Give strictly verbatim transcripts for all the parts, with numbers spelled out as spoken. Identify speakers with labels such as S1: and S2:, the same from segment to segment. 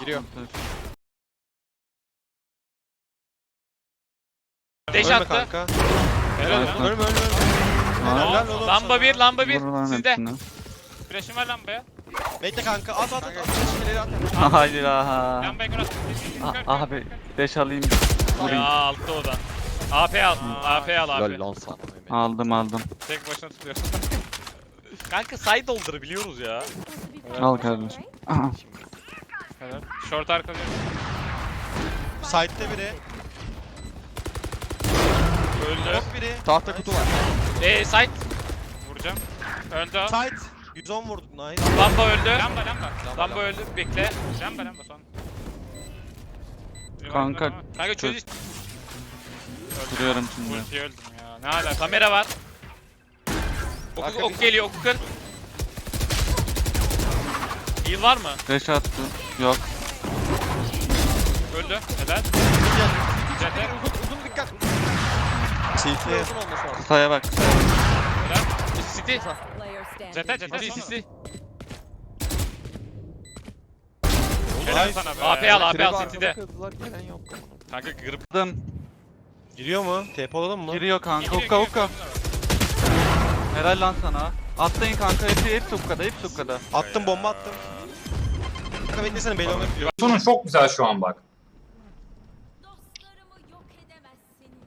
S1: Giriyor.
S2: Deş
S1: Ölme
S2: attı.
S1: kanka.
S2: Helal lan.
S1: Ölme ölme ölme.
S2: Aa,
S1: Helal oğlum
S2: lamba
S1: sana.
S2: bir, lamba bir.
S3: Vur lan
S2: Sizde.
S3: hepsini.
S2: Flash'ım var lambaya.
S1: Bekle kanka at at at. at. Şimdi at.
S3: Hayır aha.
S2: Lambaya kur at.
S3: Ah, Abi beş alayım.
S2: Ya altta o da. A P al. A P al A P.
S1: Lol lan sana.
S3: Aldım aldım.
S2: Tek başına tutuyor. Kanka side doldur biliyoruz ya.
S3: Al kardeşim. Aha.
S2: Helal. Short arka diyor.
S1: Side'de biri.
S2: Öldü.
S1: Top biri. Tahta kutu var.
S2: Eee side. Vuracağım. Öldü o.
S1: Side. yüz on vurduk nice.
S2: Lamba öldü. Lamba lamba. Lamba öldü. Bekle. Lamba lamba son.
S3: Kanka,
S2: Kanka çöz işte.
S3: Duruyorum şimdi.
S2: Ultiye öldüm ya. Ne hala kamera var. Ok,
S1: Arka
S2: ok
S1: bir-
S2: geliyor oku kır. Heal var mı?
S3: Beş attı. Yok.
S2: Öldü. Helal. Cete.
S1: Uzun dikkat. Tilti. Uzun olmuş o.
S3: Kısaya bak. Kısaya bak.
S2: Helal. City.
S4: Player standing.
S2: Cete cete.
S3: Sisi
S2: Cete.
S3: sisi.
S2: Helal sana be. A P al A P al City'de.
S1: Kızlar gelen yok.
S2: Kanka gırıp.
S3: Aldım.
S1: Giriyor mu? T P alalım mı?
S3: Giriyor kanka. Hukka hukka. Helal lan sana. Atlayın kanka. Hepsi hepsi hukkada. Hepsi hukkada.
S1: Attım bomba attım. Kanka beklesene belli olmak biliyor.
S5: Sonun çok güzel şu an bak.
S4: Dostlarımı yok edemezsiniz.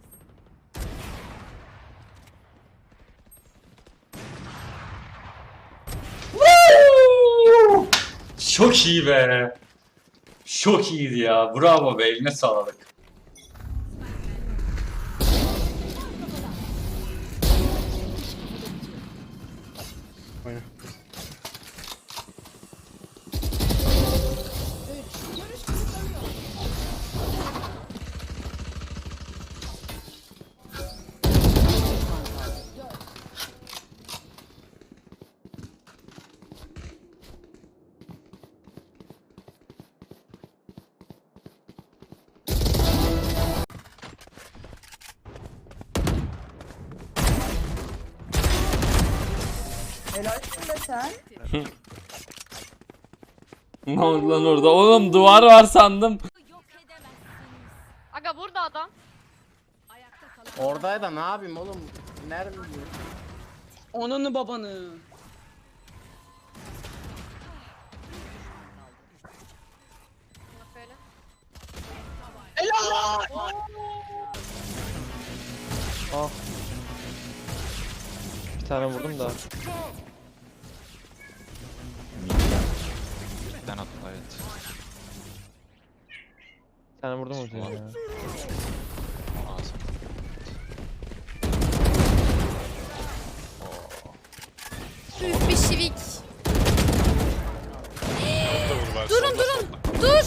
S5: Çok iyi be. Çok iyiydi ya. Bravo be. Eline sağlık.
S6: Helalsin be sen.
S7: Ne oldu lan orada? Oğlum duvar var sandım.
S4: Yok edemezsiniz.
S8: Aga burada adam.
S4: Ayakta kalan
S9: Oradaydı ne yapayım oğlum? Nerede bu?
S6: Onunu babanı.
S8: Böyle.
S1: Bir tane vurdum da.
S10: Ben attım evet.
S1: Bir tane vurdum ortaya ya.
S10: Ağzım.
S8: Büyük bir şivik. Durun durun. Dur.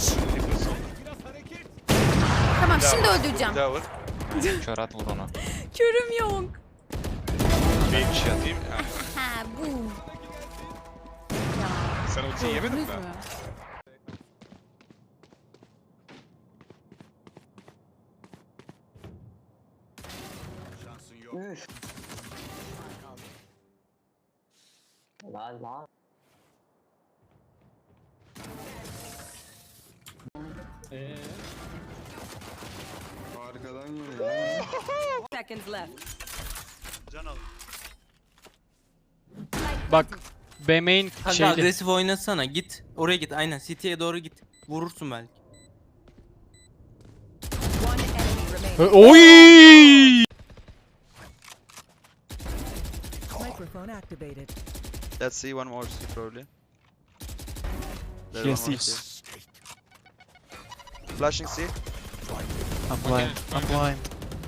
S8: Tamam şimdi öldüreceğim.
S1: Bir daha vur.
S10: Kör at vur ona.
S8: Körüm yok.
S2: Bir şey atayım.
S8: Ha bu.
S2: Sen ultiyi yemedin mi?
S9: La la.
S4: seconds left.
S11: Bak B main
S7: Kanka
S11: şeyli.
S7: agresif oynasana. Git. Oraya git. Aynen. City'ye doğru git. Vurursun belki.
S4: One enemy remaining.
S11: Oy!
S4: Microphone activated.
S9: Let's see one more C probably.
S11: Yes, yes.
S9: Flashing C.
S11: I'm blind. I'm blind.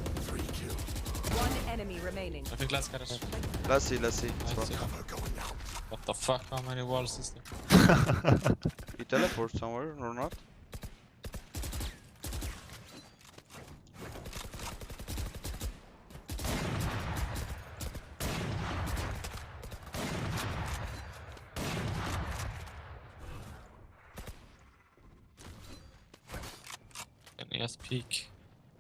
S4: One enemy remaining.
S9: Let's see, let's see.
S10: What the fuck, how many walls is there?
S9: You teleport somewhere or not?
S10: Yes, peek.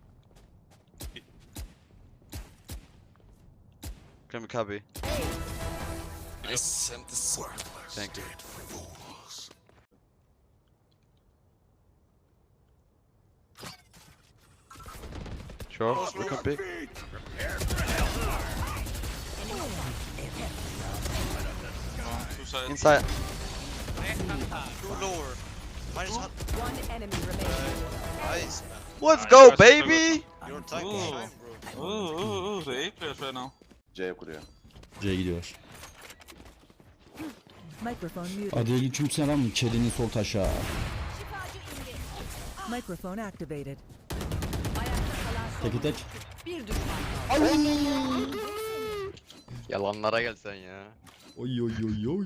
S9: Can we copy?
S10: Nice, and this
S9: Thank you. Sure, we can pick.
S10: Two sides.
S9: Inside.
S1: Two lower. Minus one.
S4: One enemy remaining.
S1: Nice, man.
S9: Let's
S10: Nice,
S9: go,
S10: guys,
S9: baby!
S1: You're time,
S10: Ooh.
S1: time, bro.
S10: Ooh, ooh, ooh, the A players right now.
S9: C kuruyor.
S11: C gidiyor.
S4: Microphone muted.
S11: Aleyküm selam. Çelinin sol taşa.
S4: Microphone activated.
S11: Teki tek.
S4: Bir düşman kaldı.
S9: Yalanlara gel sen ya.
S11: Oy oy oy oy.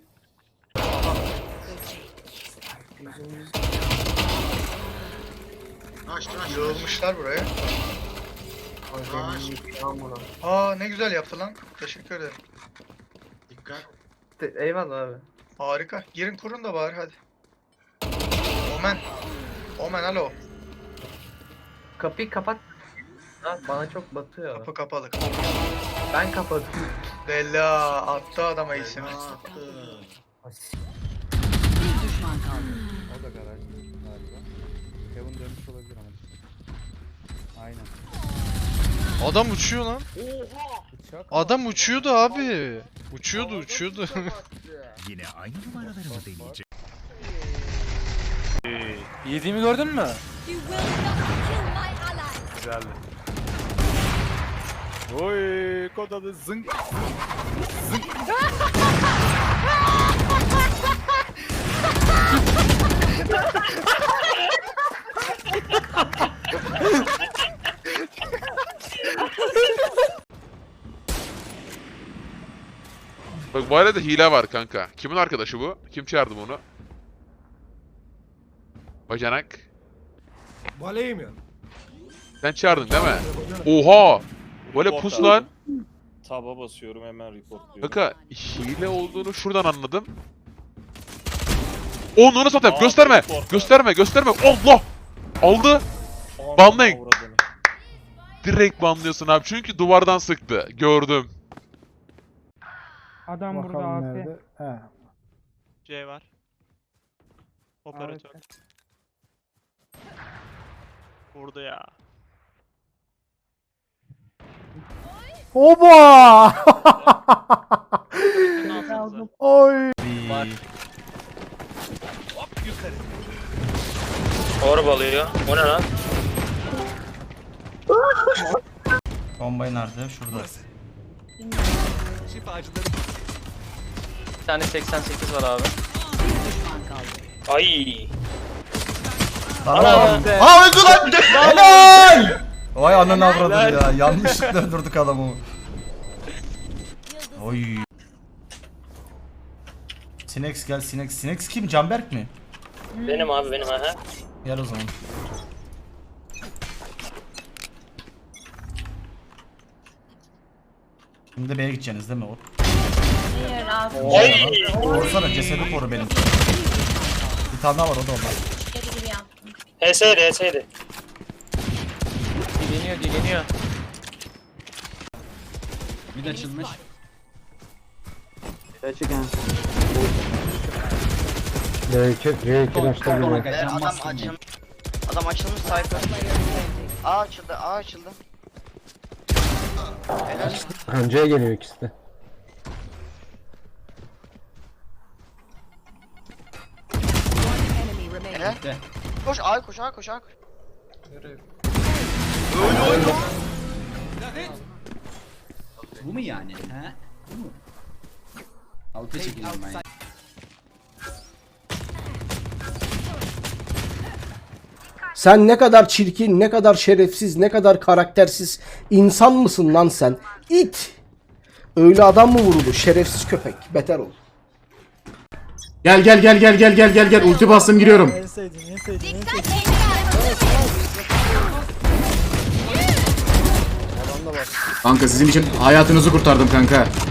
S12: Yığılmışlar buraya. Aa ne güzel yaptı lan. Teşekkür ederim. Dikkat.
S6: Eyvallah abi.
S12: Harika. Girin kurun da bari hadi. Omen. Omen alo.
S6: Kapıyı kapat. Ha, bana çok batıyor.
S12: Kapı kapalı.
S6: Ben kapadım.
S12: Bella attı adama ismi.
S4: Bir düşman kaldı.
S3: O da garaj galiba. Kevin dönmüş olabilir ama. Aynen.
S1: Adam uçuyor lan.
S3: Bıçak
S1: Adam uçuyordu abi. Uçuyordu uçuyordu.
S11: Yine aynı numaraları mı deneyecek?
S7: Yediğimi gördün mü?
S8: You will not kill my ally.
S3: güzeldi. Oy, kod adı zınk.
S10: Bak bu arada hile var kanka. Kimin arkadaşı bu? Kim çağırdı bunu? Bacanak.
S12: Baleyim ya.
S10: Sen çağırdın değil mi? Oha! Böyle pus lan.
S3: Taba basıyorum hemen reportluyorum.
S10: Kanka hile olduğunu şuradan anladım. Onu onu satayım. Gösterme. Gösterme. Gösterme. Allah! Aldı. Banlayın. Direkt banlıyorsun abi. Çünkü duvardan sıktı. Gördüm.
S6: Adam burada abi.
S2: C var. Operatör. Vurdu ya.
S11: Oba!
S2: Ne yaptınız?
S11: Oy.
S7: Orba alıyor. O ne lan?
S11: Bombayı nerede? Şurada.
S7: Bir tane seksen sekiz var abi.
S4: Bir düşman kaldı.
S7: Ay.
S11: Tamam. Aa öldü lan! Helal! Vay ananı avradım ya. Yanlışlıkla öldürdük adamı. Oy. Sinex gel Sinex. Sinex kim? Canberk mi?
S7: Benim abi benim aha.
S11: Gel o zaman. Şimdi B'ye gideceksiniz değil mi? O
S7: Ay.
S11: Korsana cesedi koru benim. Bir tane daha var o da onlar.
S7: H S'ydi H S'ydi. Dileniyor dileniyor.
S11: Bir de açılmış.
S6: Adam açım. Adam açılmış sayfa. A açıldı, A açıldı. Helal.
S11: Kancaya geliyor ikisi de.
S4: One enemy remaining.
S6: Helal. Koş A koş A koş A koş.
S11: Bu mu yani? He? Bu mu? Alta çekeceğim ben.
S12: Sen ne kadar çirkin, ne kadar şerefsiz, ne kadar karaktersiz insan mısın lan sen? İt! Öyle adam mı vurulur? Şerefsiz köpek. Beter ol. Gel gel gel gel gel gel gel gel. Ulti bastım giriyorum.
S8: Dikkat
S12: Kanka sizin için hayatınızı kurtardım kanka.